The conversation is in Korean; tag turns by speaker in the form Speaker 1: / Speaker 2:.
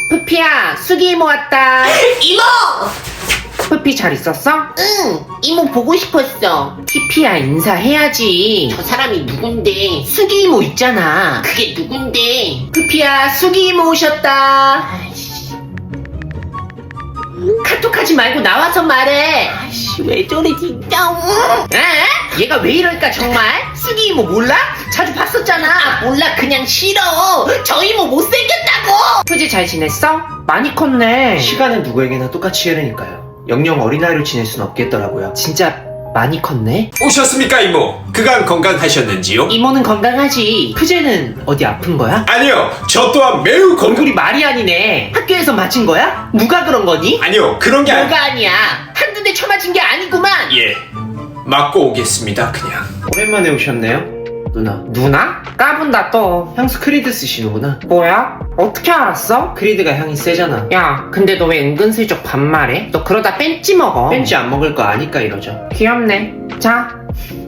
Speaker 1: 푸피야, 수기 이모 왔다.
Speaker 2: 이모!
Speaker 1: 푸피 잘 있었어?
Speaker 2: 응, 이모 보고 싶었어.
Speaker 1: 피피야, 인사해야지.
Speaker 2: 저 사람이 누군데?
Speaker 1: 수기 이모 있잖아.
Speaker 2: 그게 누군데?
Speaker 1: 푸피야, 수기 이모 오셨다.
Speaker 2: 아이씨,
Speaker 1: 카톡하지 말고 나와서 말해.
Speaker 2: 아이씨, 왜 저래 진짜?
Speaker 1: 에? 얘가 왜 이럴까 정말? 수기 이모 몰라? 자주 봤었잖아.
Speaker 2: 몰라, 그냥 싫어. 저 이모 못생겼다고.
Speaker 1: 푸지 잘 지냈어? 많이 컸네.
Speaker 3: 시간은 누구에게나 똑같이 흐르니까요. 영영 어린아이로 지낼 순 없겠더라고요.
Speaker 1: 진짜 많이 컸네.
Speaker 4: 오셨습니까 이모? 그간 건강하셨는지요?
Speaker 1: 이모는 건강하지. 푸제는 어디 아픈 거야?
Speaker 4: 아니요, 저 또한 매우 건강...
Speaker 1: 얼굴이 말이 아니네. 학교에서 맞은 거야? 누가 그런 거니?
Speaker 4: 아니요, 그런 게
Speaker 1: 뭐가 아니야. 한두 대 쳐맞은 게 아니구만.
Speaker 4: 예, 맞고 오겠습니다 그냥.
Speaker 3: 오랜만에 오셨네요, 누나.
Speaker 1: 누나? 까분다 또.
Speaker 3: 향수 크리드 쓰시는구나.
Speaker 1: 뭐야? 어떻게 알았어?
Speaker 3: 크리드가 향이 세잖아.
Speaker 1: 야, 근데 너 왜 은근슬쩍 반말해? 너 그러다 뺀찌 먹어.
Speaker 3: 벤지 안 먹을 거 아니까 이러죠.
Speaker 1: 귀엽네. 자,